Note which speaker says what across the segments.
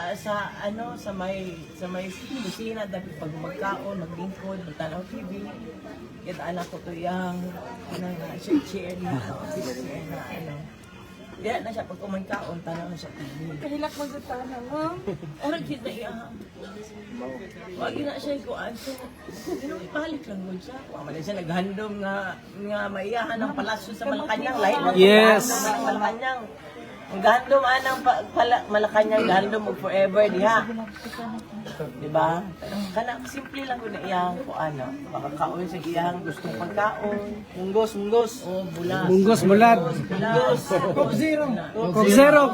Speaker 1: Sa ano sa may kusina dapat pag magkaon maglingkod magtanaw TV kita anak ko to yang chair na office chair na ano diya na siya pag kumangkaon tanaw na siya TV
Speaker 2: Kahilak magutana, ma'am.
Speaker 1: orang kita iya wag na siya ko anso balik lang mo siya wala siya naghandom nga maiyahan ng palasyo sa Malacanang lahi
Speaker 3: Yes.
Speaker 1: Malacanang ang gandom anang Malacanang gandom mo forever diha. Diba? Kana simple lang ko na iyang ko ano, makakaon sa iyang gustong pagkaon.
Speaker 3: Munggos.
Speaker 1: O bulas.
Speaker 3: Munggos, bulat.
Speaker 1: Bulas.
Speaker 3: Coke zero.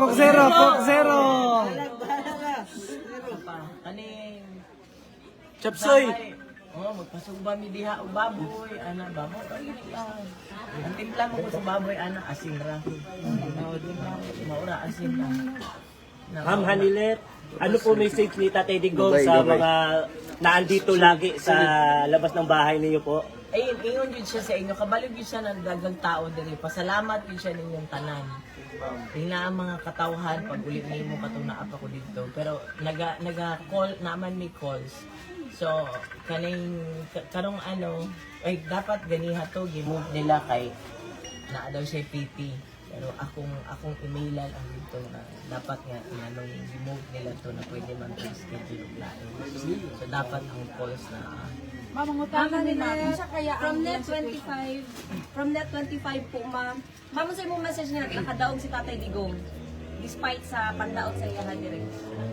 Speaker 1: Kaning
Speaker 3: Chapsoy.
Speaker 1: oh, magpasugba mi diha og baboy, ana baboy. Ang timpla mo ko sa baboy ana asin ra. Maura asin ra.
Speaker 4: Ma'am Hanilet, ano po message ni Tatay Digong sa mga naandito lagi sa labas ng bahay niyo po?
Speaker 1: Ayun, ingon yun siya sa inyo. Kabalog yun siya ng dagang tao diri. Pasalamat yun siya ninyong tanan. Tingna ang mga katawhan pag ulit niyo mo katunaap ako dito. Pero naga-call naman may calls. So, karong ano, ay dapat ganiha to, gimove nila kay na daw siya PT. Pero akong emailan ang dito na dapat nga inanong gimove nila to na pwede man schedule og lain. So, dapat ang calls na
Speaker 2: Mamangutanan ni natin siya kaya
Speaker 5: From net 25, from net 25 po, ma'am. Ma'am, sa imong message niya, nakadaog si Tatay Digong. Despite sa pandaot sa iyahan direct.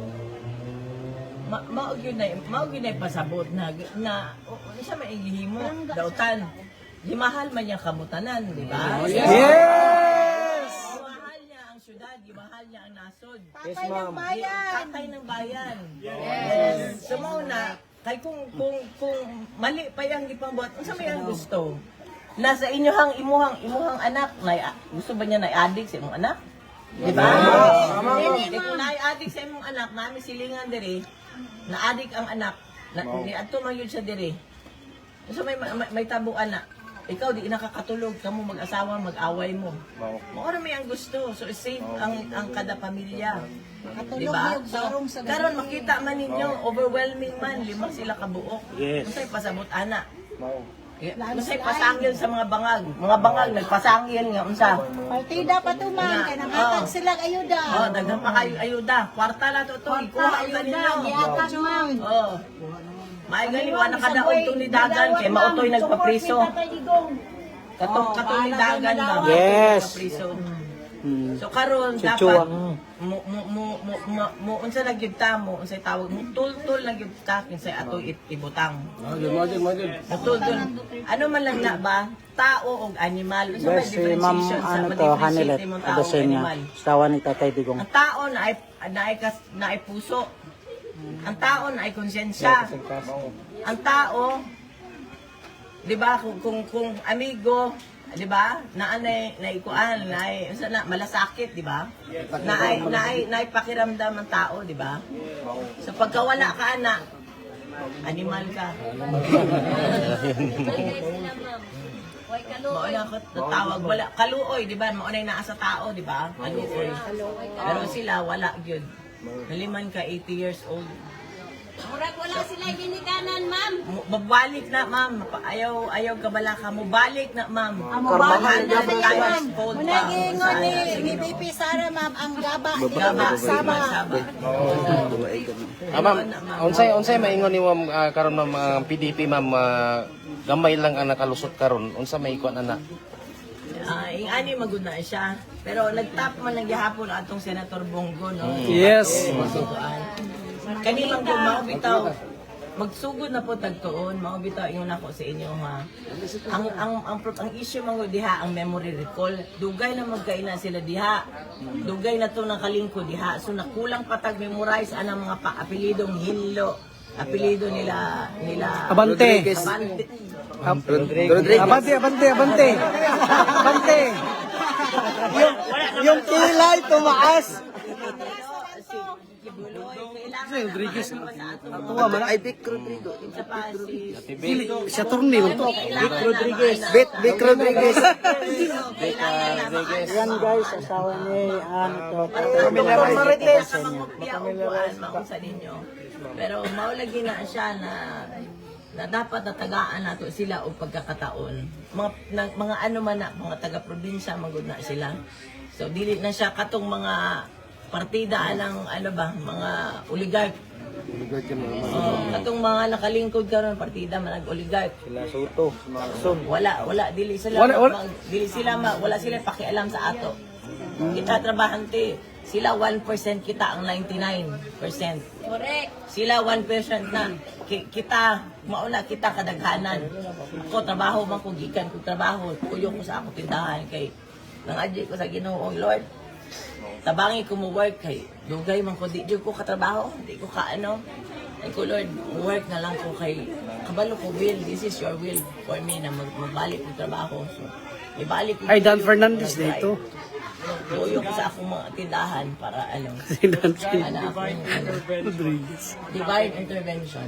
Speaker 1: maog yun na pasabot na siya maigihimo dautan gimahal man niya kamutanan di ba
Speaker 3: Yes.
Speaker 1: gimahal niya ang syudad gimahal niya ang nasod
Speaker 3: Yes, ma'am.
Speaker 1: tatay ng bayan yes so mao na kay kung mali pa yang gipambuhat unsa may ang gusto nasa inyong imuhang anak na gusto ba niya na addict sa imong anak di ba kung na-addict sa imong anak nami silingan diri na-addict ang anak niadto man yun siya diri so may tabo anak ikaw di nakakatulog kamo mag-asawa mag-away mo mao ra may ang gusto so save ang kada pamilya di ba so karon makita man ninyo overwhelming man lima sila kabuok
Speaker 4: Yes.
Speaker 1: unsay pasabot ana unsay pasangil sa mga bangag nagpasangil nga unsa
Speaker 2: Partida pa to, ma'am. Kaya nakatag silang ayuda.
Speaker 1: oh daghan pa kayo ayuda kwarta na to ikuha ang kanino
Speaker 2: Giatas, ma'am.
Speaker 1: oh may gali wa nakadaog to ni dagan kay mautoy nagpapriso katong ni dagan ba
Speaker 3: Yes.
Speaker 1: nagpapriso so karon dapat
Speaker 3: Chuchuang.
Speaker 1: mo unsa nagyud ta mo unsay tawag mo tultul nagyud ta kinsay ato ibutang tultul ano man lang na ba tao og animal unsa may
Speaker 3: Yes, si ma'am,
Speaker 1: differentiation sa
Speaker 3: ano to,
Speaker 1: differentiate
Speaker 3: Hanilet.
Speaker 1: imong tao ug
Speaker 3: Adasin niya.
Speaker 1: animal
Speaker 3: Sawa ni Tatay Digong.
Speaker 1: ang tao na ay puso ang tao na ay konsensya ang tao di ba kung amigo di ba na ikuan na malasakit di ba na pakiramdam ng tao di ba so pagkawala ka na animal ka
Speaker 5: Huwag
Speaker 1: mao na ako tatawag wala kaluoy di ba mao na naa sa tao di ba kaluoy pero sila wala gyud naliman ka 80 years old
Speaker 5: Murag wala sila ginikanan, ma'am.
Speaker 1: Babalik na, ma'am. Ayaw kabala ka. Mubalik na, ma'am.
Speaker 2: Mabalik na,
Speaker 1: ma'am.
Speaker 2: Muna gingon ni BP Sara, ma'am, ang gaba.
Speaker 1: Gaba,
Speaker 2: Sama.
Speaker 6: Ma'am, unsay maingon ni ma'am karon ma'am PDP ma'am gamay lang ang nakalusot karon. Unsa may ikuan ana?
Speaker 1: Ing ani maguna siya. Pero nagtap man lang gihapon atong Senator Bongo, no?
Speaker 3: Yes.
Speaker 1: Kani man ko mao bitaw magsugod na po tagtuon mao bitaw ingon ako sa inyo ha ang issue man diha ang memory recall dugay na magkaina sila diha dugay na to ng kalingko diha so nakulang patag memorize anang mga apelidong Hinlo apelido nila
Speaker 3: Abante. Abante. Yung kilay tumaas.
Speaker 1: Guloy, kailangan
Speaker 3: Rodriguez.
Speaker 1: na sa ato.
Speaker 3: Tuwa man.
Speaker 7: Ay, Vic Rodrigo.
Speaker 1: Isa pa si
Speaker 3: Siya turni to.
Speaker 1: Vic Rodriguez.
Speaker 7: Vic Rodriguez.
Speaker 3: Yan guys, asawa ni ano to.
Speaker 1: Marites. Mausa ninyo. Pero maulagi na siya na dapat natagaan nato sila o pagkakataon. Mga ano man na, mga taga-probinsya, magod na sila. So, dili na siya katong mga partida ng ano ba, mga oligarch. Katong mga nakalingkod karon partida man nag-oligarch.
Speaker 3: Sila Soto, mga son.
Speaker 1: Wala dili sila wala sila pakialam sa ato. Kita trabahante, sila 1% kita ang 99%.
Speaker 5: Correct.
Speaker 1: Sila 1% na kita mauna kita kadaghanan. Ako trabaho man ko gikan ko trabaho, kuyo ko sa ako tindahan kay nang adyo ko sa Ginoo Lord. Tabangi ko mo work kay dugay man ko di ko katrabaho, di ko kaano. Ay ko Lord, work na lang ko kay kabalo ko will, this is your will for me na magbalik ko trabaho. So, ibalik ko.
Speaker 3: Ay, Dan Fernandez dito.
Speaker 1: Kuyo ko sa akong mga tindahan para ano.
Speaker 3: Si Dan
Speaker 1: Rodriguez. Divine intervention.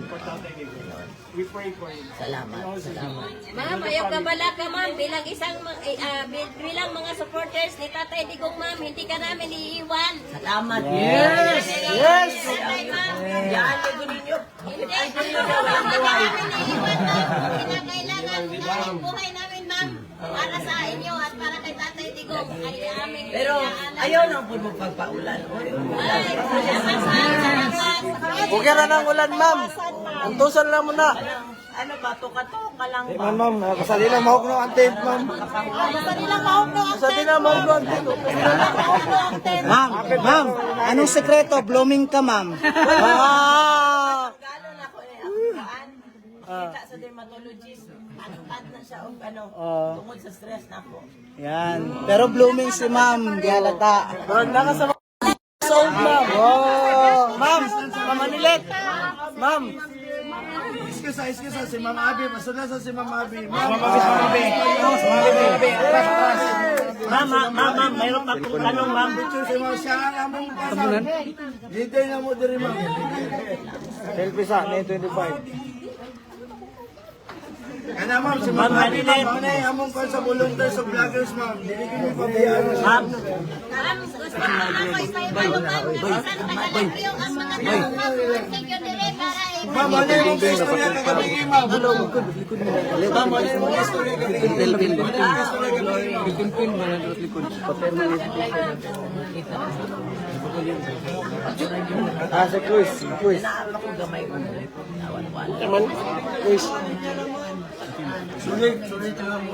Speaker 1: Salamat.
Speaker 5: Ma'am, ayaw ka bala ka ma'am bilang bilang mga supporters ni Tatay Digong ma'am, hindi ka namin iiwan.
Speaker 1: Salamat.
Speaker 3: Yes!
Speaker 5: Yes! Ma'am.
Speaker 1: Yan, ito ninyo.
Speaker 5: Hindi ka namin iiwan ma'am. Kinakailangan namin buhay namin ma'am. Para sa inyo at para kay Tatay Digong. Ay aming
Speaker 1: Pero ayaw nang po magpagpaulan.
Speaker 7: Huwag ka na ng ulan, ma'am. Antusan lang muna.
Speaker 1: Ano ba, tuka-tuka lang ba?
Speaker 7: Ma'am, kasali lang mahok no ang tape, ma'am. Kasali lang mahok no ang tape.
Speaker 3: Ma'am, anong sekreto? Blooming ka, ma'am.
Speaker 7: Ah!
Speaker 1: Gano'n ako akuan. Kita sa dermatologist. Ad na siya o ano, tungkol sa stress na ako.
Speaker 3: Yan. Pero blooming si ma'am, di halata.
Speaker 7: Sold, ma'am. Oh, ma'am, Manilet. Ma'am.
Speaker 8: Excuse, si Ma'am Abi. Masuna sa si Ma'am Abi. Ma'am,
Speaker 4: Ma'am, mayroon pa akong tanong, ma'am.
Speaker 8: si Ma'am siya ang among pasal. Dito na mo diri, ma'am.
Speaker 7: Selfie sa 925.
Speaker 8: Kana ma'am, si
Speaker 4: Ma'am
Speaker 8: Ma'am Abi.
Speaker 4: Hanilet.
Speaker 8: Ma'am, na among kon sa volunteers of vloggers, ma'am. Dili ko mo pabiyaan.
Speaker 4: Ma'am,
Speaker 5: Ma'am, gusto ko ako isa-ibalo ma'am. Nabisan taga-lagyo ang mga tao ma'am. Thank you dire para
Speaker 8: Ma'am, ano yung istorya kagabi, ma'am? Ma'am, ano yung istorya kagabi?
Speaker 7: Si Cruz.
Speaker 1: Naapa ko gamay ko. Nawan-wan.
Speaker 8: Sulit na mo.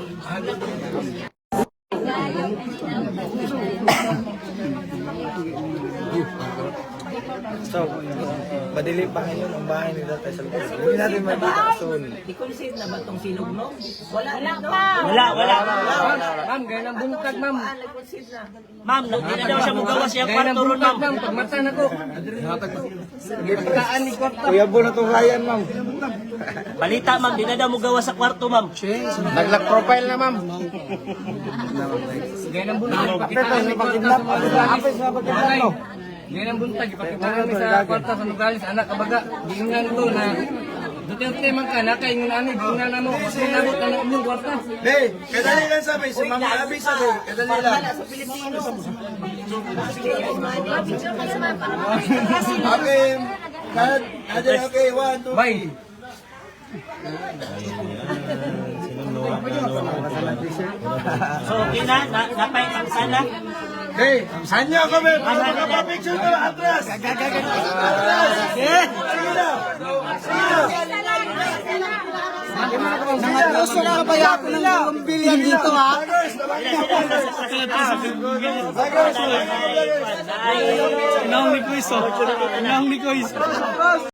Speaker 7: So, madili pa ngayon ang bahay ni Tatay Salvador. Hindi natin makita soon.
Speaker 1: I-consider na ba itong sinugno? Wala pa.
Speaker 4: wala.
Speaker 3: Ma'am, ganyan ang buntag, ma'am.
Speaker 1: Nag-consider na.
Speaker 4: Ma'am, hindi na daw siya magawa siya kwarto ron, ma'am.
Speaker 3: Pagmata na ko. Pagkaan ni kwarta.
Speaker 7: Kuya po na itong Ryan, ma'am.
Speaker 4: Balita, ma'am, di na daw magawa sa kwarto, ma'am.
Speaker 6: Nag-lock profile na, ma'am.
Speaker 3: Ganyan ang buntag.
Speaker 7: Ito, may pag-kidnap. Apis na pag-kidnap, no?
Speaker 3: Ganyan ang buntag. Ipakita namin sa kwarta sa nugalis. Anak, kabaga. Giingan ko na Duterte man ka, nakaingon ani, giingan na mo. Sinabot na ng inyong kwarta.
Speaker 8: Hey, kadali lang sabi. Si Ma'am Abi sabi. Kadali lang.
Speaker 1: Sa Pilipino.
Speaker 8: Okay. Okay, 1, 2,
Speaker 3: Bye.
Speaker 4: So, okay na, napay ang sana.
Speaker 8: Hey, saan niyo kami? Magpapapicture ko, atras! Atras! Sige na!
Speaker 3: Mga puso na kaya ako ng 2 billion dito, ha? Naong ni Kuis, oh. Naong ni Kuis.